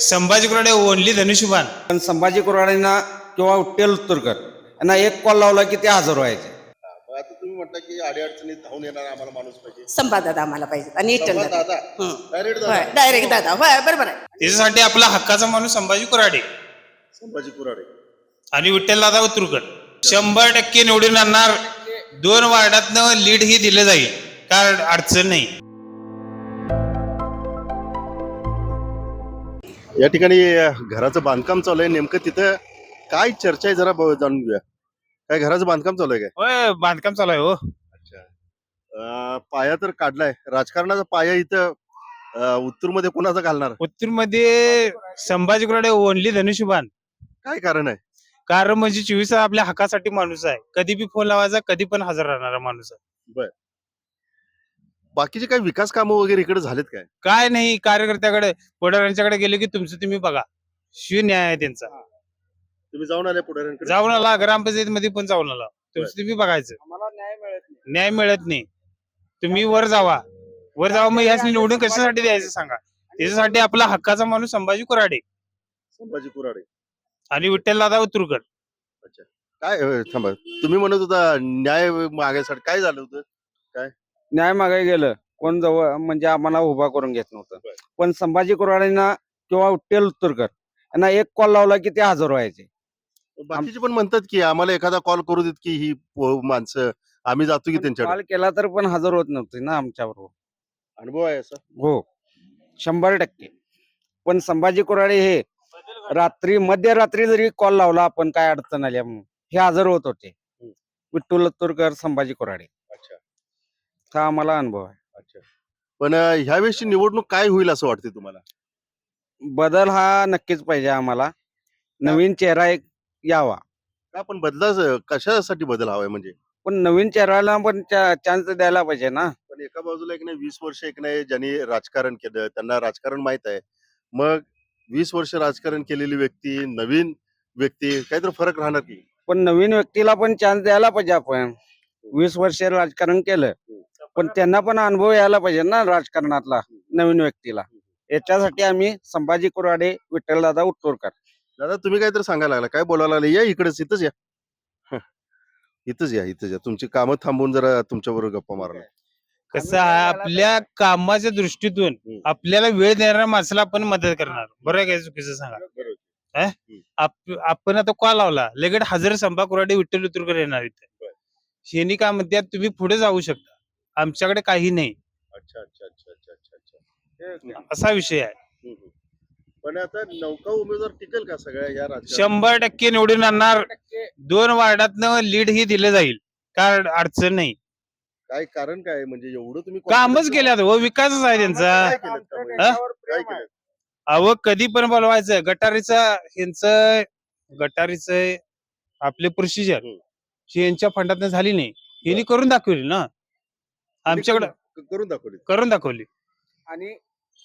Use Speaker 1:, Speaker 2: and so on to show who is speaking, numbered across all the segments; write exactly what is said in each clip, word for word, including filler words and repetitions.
Speaker 1: Sambhaji Kurade only धनुष्यबाण.
Speaker 2: पण संभाजी कुराडेंना किंवा विठ्ठल उत्तरकर यांना एक कॉल लावला की ते हजर व्हायचे.
Speaker 3: मग आता तुम्ही म्हटलं की अडीअडचणीत धावून येणार आम्हाला माणूस पाहिजे.
Speaker 4: संभादादा आम्हाला पाहिजे आणि विठ्ठल
Speaker 3: संवाद
Speaker 4: दादा
Speaker 3: दादा डायरेक्ट दादा
Speaker 4: होय डायरेक्ट दादा होय बरोबर आहे.
Speaker 1: त्याच्यासाठी आपला हक्काचा माणूस संभाजी कुराडे
Speaker 3: संभाजी कुराडे
Speaker 1: आणि विठ्ठल दादा उत्तरकर शंभर टक्के निवडून आणणार. दोन वार्डातनं लीड ही दिलं जाईल, काय अडचण नाही.
Speaker 3: या ठिकाणी घराचं बांधकाम चालू आहे. नेमकं तिथं काय चर्चा आहे जरा ब- जाणून घेऊया. काय घराचं बांधकाम चालू आहे काय?
Speaker 1: होय बांधकाम चालू आहे. हो
Speaker 3: अच्छा. अं, पाया तर काढलाय. राजकारणाचा पाया इथं उत्तूर मध्ये कोणाचा घालणार?
Speaker 1: उत्तूर मध्ये संभाजी कुराडे ओनली धनुष्यबाण.
Speaker 3: काय कारण आहे?
Speaker 1: कारण म्हणजे चोवीस तास आपल्या हक्कासाठी माणूस आहे. कधी बी फोन लावायचा, कधी पण हजर राहणारा माणूस आहे.
Speaker 3: बाकीचे काही विकास कामं वगैरे इकडे झालेत काय?
Speaker 1: काय नाही, कार्यकर्त्याकडे पुढाऱ्यांच्याकडे गेले की तुमचं तुम्ही बघा. शिव न्याय आहे त्यांचा.
Speaker 3: तुम्ही जाऊन आले पुढाऱ्यांकडे?
Speaker 1: जाऊन आला, ग्रामपंचायत मध्ये पण जाऊन आला. तुमचं तुम्ही बघायचं.
Speaker 2: आम्हाला न्याय मिळत नाही.
Speaker 1: न्याय मिळत नाही. तुम्ही वर जावा, वर जावा. मग याच निवडून कशासाठी द्यायचं सांगा. त्याच्यासाठी आपला हक्काचा माणूस संभाजी कुराडे
Speaker 3: संभाजी कुराडे
Speaker 1: आणि विठ्ठल दादा उत्तरकर.
Speaker 3: अच्छा. काय अं, थांबा, तुम्ही म्हणत होता न्याय मागायसाठी काय झालं होतं?
Speaker 2: न्याय मागायला गेलं कोण जवळ म्हणजे आम्हाला उभा करून घेत नव्हतं. पण संभाजी कुराडेंना किंवा विठ्ठल उत्तरकर यांना एक कॉल लावला की ते हजर व्हायचे.
Speaker 3: बाकीचे पण म्हणतात की आम्हाला एखादा कॉल करू देत की ही पो- माणसं आम्ही जातो की त्यांच्याकडे.
Speaker 2: कॉल केला तर पण हजर होत नव्हते ना आमच्याबरोबर.
Speaker 3: अनुभव आहे असा?
Speaker 2: हो शंभर टक्के. पण संभाजी कुराडे हे रात्री मध्यरात्री जरी कॉल लावला आपण काय अडचण आल्या म्हणून हे हजर होत होते. विठ्ठल उत्तरकर संभाजी कुराडे
Speaker 3: अच्छा
Speaker 2: हा आम्हाला अनुभव आहे.
Speaker 3: अच्छा. पण अं, ह्यावेळेसची निवडणूक काय होईल असं वाटते तुम्हाला?
Speaker 2: बदल हा नक्कीच पाहिजे आम्हाला. नवीन चेहरा एक यावा.
Speaker 3: का पण बदलाच कशासाठी बदल हवाय म्हणजे?
Speaker 2: पण नवीन चेहऱ्याला पण चान्स द्यायला पाहिजे ना.
Speaker 3: पण एका बाजूला एक नाही वीस वर्ष एक नाही ज्यांनी राजकारण केलं त्यांना राजकारण माहित आहे. मग वीस वर्ष राजकारण केलेली व्यक्ती नवीन व्यक्ती काहीतरी फरक राहणार की?
Speaker 2: पण नवीन व्यक्तीला पण चान्स द्यायला पाहिजे. आपण वीस वर्ष राजकारण केलं पण त्यांना पण अनुभव यायला पाहिजे ना राजकारणातला नवीन व्यक्तीला. याच्यासाठी आम्ही संभाजी कुराडे विठ्ठलदादा उत्तरकर.
Speaker 3: दादा तुम्ही काहीतरी सांगायला लागला, काय बोलायला लागले? या इकडेच, इथंच या. हं, इथंच या, इथंच या. तुमची कामं थांबवून जरा तुमच्या बरोबर गप्पा मारला.
Speaker 1: कसं आहे, आपल्या कामाच्या दृष्टीतून आपल्याला वेळ देणाऱ्या माणसाला आपण मदत करणार. बरोबर आहे काय? चुकीचं सांगा. आप- आपण आता कॉल लावला लगेच हजर संभा कुराडे विठ्ठल उत्तरकर येणार इथे. शेनी काय म्हणतात, तुम्ही पुढे जाऊ शकता, आमच्याकडे काही नाही,
Speaker 3: अच्छा अच्छा अच्छा अच्छा अच्छा अच्छा.
Speaker 1: असा विषय आहे.
Speaker 3: हम्म, हम्म. पण आता नौका उमेदवार टिकेल का सगळ्या या राज्यात?
Speaker 1: शंभर टक्के निवडून आणणार. दोन वार्डातनं लीड ही दिलं जाईल, काय अडचण नाही.
Speaker 3: काय कारण काय आहे? म्हणजे एवढं तुम्ही
Speaker 1: कामच केल्यात हो, विकासच आहे त्यांचा.
Speaker 3: काय केलं त्यामुळे?
Speaker 1: हा?
Speaker 3: काय केलं?
Speaker 1: अहो कधी पण बोलवायचं. गटारीचं ह्यांचं गटारीचं आपले प्रोसिजर
Speaker 3: हम्म.
Speaker 1: यांच्या फंडातनं झाली नाही, यांनी करून दाखवली ना. आमच्याकडे
Speaker 3: क- करून दाखवली.
Speaker 1: करून दाखवली.
Speaker 2: आणि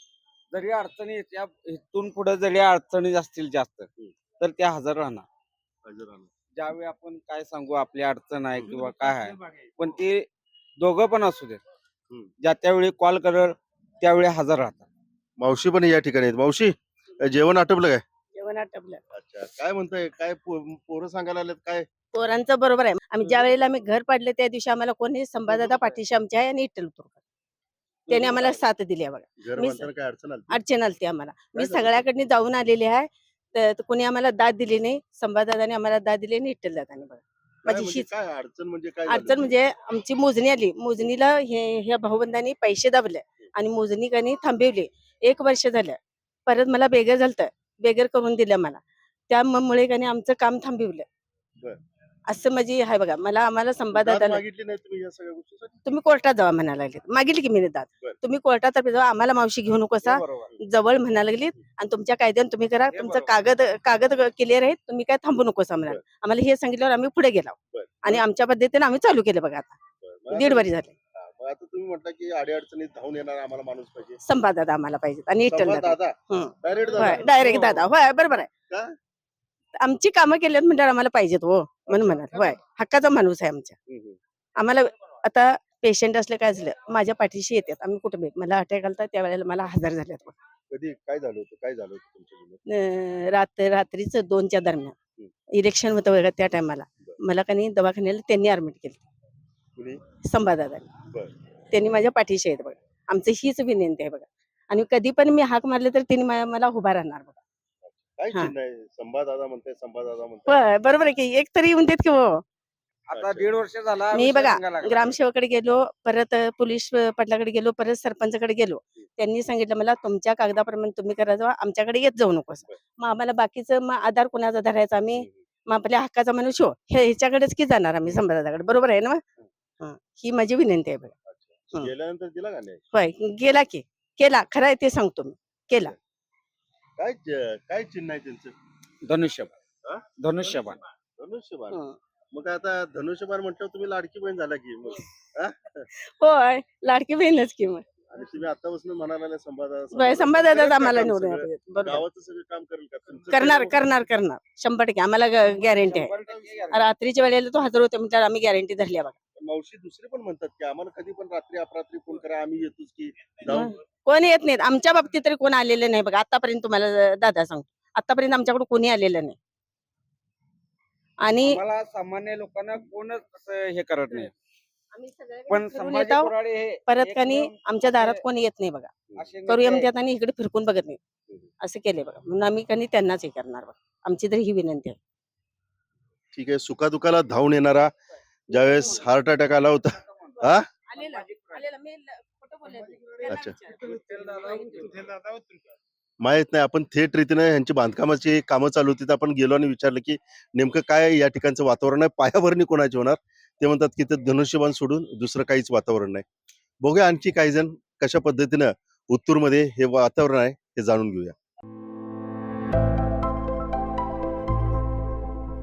Speaker 2: जरी अडचणी येत्या इथून पुढे जरी अडचणी असतील जास्त तर त्या हजर राहणार.
Speaker 3: हजर राहणार.
Speaker 2: ज्यावेळी आपण काय सांगू आपली अडचण आहे किंवा काय आहे पण ते दोघं पण असू देत
Speaker 3: हम्म.
Speaker 2: ज्या त्यावेळी कॉल करल त्यावेळी हजर राहतात.
Speaker 3: मावशी पण या ठिकाणी आहेत. मावशी जेवण आटपलं काय?
Speaker 4: जेवण आटपलं.
Speaker 3: अच्छा. काय म्हणताय? काय पो- पोरं सांगायला आलेत काय?
Speaker 4: पोरांचं बरोबर आहे. आम्ही ज्या वेळेला आम्ही घर पाडले त्या दिवशी आम्हाला कोणी संभादादा पाठीशी आमच्या आहे आणि विठ्ठल उत्तरकर त्याने आम्हाला साथ दिली आहे बघा.
Speaker 3: घर
Speaker 4: मी-
Speaker 3: बांधताना काय अडचण आली?
Speaker 4: अडचण आलती आम्हाला. मी
Speaker 3: झालं?
Speaker 4: सगळ्याकडे जाऊन आलेली आहे तर कोणी आम्हाला दाद दिली नाही. संभादादाने आम्हाला दाद दिली आणि विठ्ठल दादाने बघा.
Speaker 3: काय
Speaker 4: माझी
Speaker 3: म्हणजे
Speaker 4: हीच
Speaker 3: काय अडचण म्हणजे काय झालं?
Speaker 4: अडचण म्हणजे आमची मोजणी आली. मोजणीला हे ह्या भाऊबंधांनी पैसे दाबले आणि मोजणी कनी थांबवली. एक वर्ष झालं. परत मला बेगर झालतं, बेगर करून दिलं मला. त्यामुळे कनी आमचं काम थांबवलं.
Speaker 3: बरं.
Speaker 4: असं म्हणजे आहे बघा. मला आम्हाला
Speaker 3: दाद
Speaker 4: संभादादाला
Speaker 3: मागितली नाही तुम्ही या सगळ्या गोष्टीसाठी?
Speaker 4: तुम्ही कोर्टात जावा म्हणायला लागले. मागितली की मी दाद.
Speaker 3: बरं.
Speaker 4: तुम्ही कोर्टात जावा, आम्हाला मावशी घेऊ नकोसा जवळ म्हणायला लागलीत आणि तुमच्या कायद्याने तुम्ही करा. तुमचं कागद कागद क्लिअर आहेत, तुम्ही काय थांबू नकोसा म्हणाल. आम्हाला हे सांगितल्यावर आम्ही पुढे गेलो
Speaker 3: बरं.
Speaker 4: आणि आमच्या पद्धतीने आम्ही चालू केलं बघा. आता
Speaker 3: बरं. मग
Speaker 4: दीड
Speaker 3: आता-
Speaker 4: वर्ष झाले.
Speaker 3: हा, मग आता तुम्ही म्हटलं की अडीअडचणीत धावून येणार आम्हाला माणूस पाहिजे.
Speaker 4: संभादादा आम्हाला पाहिजे आणि विठ्ठल
Speaker 3: संवाद
Speaker 4: दादा
Speaker 3: दादा
Speaker 4: हं.
Speaker 3: डायरेक्ट
Speaker 4: होय
Speaker 3: दादा
Speaker 4: डायरेक्ट दादा होय बरोबर आहे.
Speaker 3: का?
Speaker 4: आमची कामं केल्यात म्हणजे आम्हाला पाहिजेत हो म्हणून म्हणाल. होय हक्काचा माणूस आहे आमच्या.
Speaker 3: हम्म, हम्म.
Speaker 4: आम्हाला आता पेशंट असलं काय झालं माझ्या पाठीशी येतात. आम्ही कुठे मला अटॅक आलता त्यावेळेला मला हजार झाल्यात.
Speaker 3: कधी काय झालं होतं काय झालं होतं तुमच्या जीवनात?
Speaker 4: अं, रात रात्रीच दोनच्या दरम्यान
Speaker 3: हम्म.
Speaker 4: इलेक्शन होतं बघा त्या टायमाला मला कनी दवाखान्याला त्यांनी ऍडमिट केलं
Speaker 3: कुणी
Speaker 4: संभादादांनी
Speaker 3: बर
Speaker 4: त्यांनी माझ्या पाठीशी आहेत बघा आमची हीच विनंती आहे बघा आणि कधी पण मी हाक मारले तर त्यांनी मा- मला उभा राहणार बघा
Speaker 3: काय
Speaker 4: हा.
Speaker 3: चिन्ह आहे संभादादा म्हणताय संभादादा म्हणताय
Speaker 4: होय, बरोबर आहे की एक तरी येऊन देत की हो
Speaker 2: आता दीड वर्ष झाला
Speaker 4: मी
Speaker 2: विषय
Speaker 4: बघा
Speaker 2: सांगायला लागला.
Speaker 4: ग्रामसेवकडे गेलो परत अ, पोलीस अ, पाटलाकडे गेलो परत सरपंचकडे गेलो त्यांनी सांगितलं मला तुमच्या कागदाप्रमाणे तुम्ही करा जावा आमच्याकडे येत जाऊ नकोस मग आम्हाला बाकीचं मग आधार कोणाचा धरायचा आम्ही मग आपल्या हक्काचा मनुष्य हे ह्याच्याकडेच की जाणार आम्ही संभादाकडे बरोबर आहे ना मग? हा, ही माझी विनंती आहे बघा हं.
Speaker 3: गेल्यानंतर दिला का नाही
Speaker 4: होय गेला की केला खरं आहे ते सांगतो मी केला
Speaker 3: काय च- काय चिन्ह आहे त्यांचं हा?
Speaker 2: धनुष्यबाण धनुष्यबाण
Speaker 3: धनुष्यबाण
Speaker 4: हं.
Speaker 3: मग आता धनुष्यबाण म्हटलं तुम्ही लाडकी बहीण झाला की मग
Speaker 4: होय लाडकी बहीणच की मग
Speaker 3: आणि तुम्ही आतापासून म्हणाला संभादादा
Speaker 4: होय, संभादादाच
Speaker 3: करेल का
Speaker 4: आम्हाला
Speaker 3: काम
Speaker 4: निवडून
Speaker 3: सगळं?
Speaker 4: येतात. बरोबर
Speaker 3: गावाचं सगळं काम करेल का तुमचं
Speaker 4: करणार
Speaker 3: सगळं-
Speaker 4: करणार करणार शंभर टक्के आम्हाला गॅरंटी आहे
Speaker 2: शंभर टक्के guarantee.
Speaker 4: रात्रीच्या वेळेला तो हजर होते म्हणजे आम्ही गॅरंटी धरली आहे बघा
Speaker 3: मावशी दुसरे पण म्हणतात की आम्हाला कधी पण रात्री अपरात्री फोन करा आम्ही येतोच की जाऊन
Speaker 4: मग कोण येत नाहीत आमच्या बाबतीत तरी कोण आलेलं नाही बघा आतापर्यंत तुम्हाला दादा सांगतो आतापर्यंत आमच्याकडे कोणी आलेलं नाही आणि
Speaker 2: आम्हाला सामान्य लोकांना कोणच असं हे करत नाही
Speaker 4: आम्ही सगळ्याकडे
Speaker 2: पण
Speaker 4: फिरून
Speaker 2: संभाजी
Speaker 4: येतो,
Speaker 2: कोराडे हे
Speaker 4: परत
Speaker 2: एक
Speaker 4: कानी
Speaker 2: नियम
Speaker 4: आमच्या दारात
Speaker 2: म्हणजे
Speaker 4: कोणी येत नाही बघा
Speaker 2: असे
Speaker 4: करूया
Speaker 2: नेते
Speaker 4: म्हणतात आणि इकडे फिरकून बघत नाही असं केलंय बघा म्हणून आम्ही कानी त्यांनाच हे करणार बघा आमची तरी ही विनंती आहे
Speaker 3: ठीक आहे सुखादुखाला धावून येणारा ज्यावेळेस हार्ट अटॅक आला होता हा अच्छा. माहित नाही आपण थेट रीतीने यांची बांधकामाची कामं चालू होती तर आपण गेलो आणि विचारलं की नेमकं काय या ठिकाणचं वातावरण आहे पायाभरणी कोणाची होणार ते म्हणतात की ते धनुष्यबाण सोडून दुसरं काहीच वातावरण नाही बघूया आणखी काही जण कशा पद्धतीनं उत्तूरमध्ये हे वातावरण आहे हे जाणून घेऊया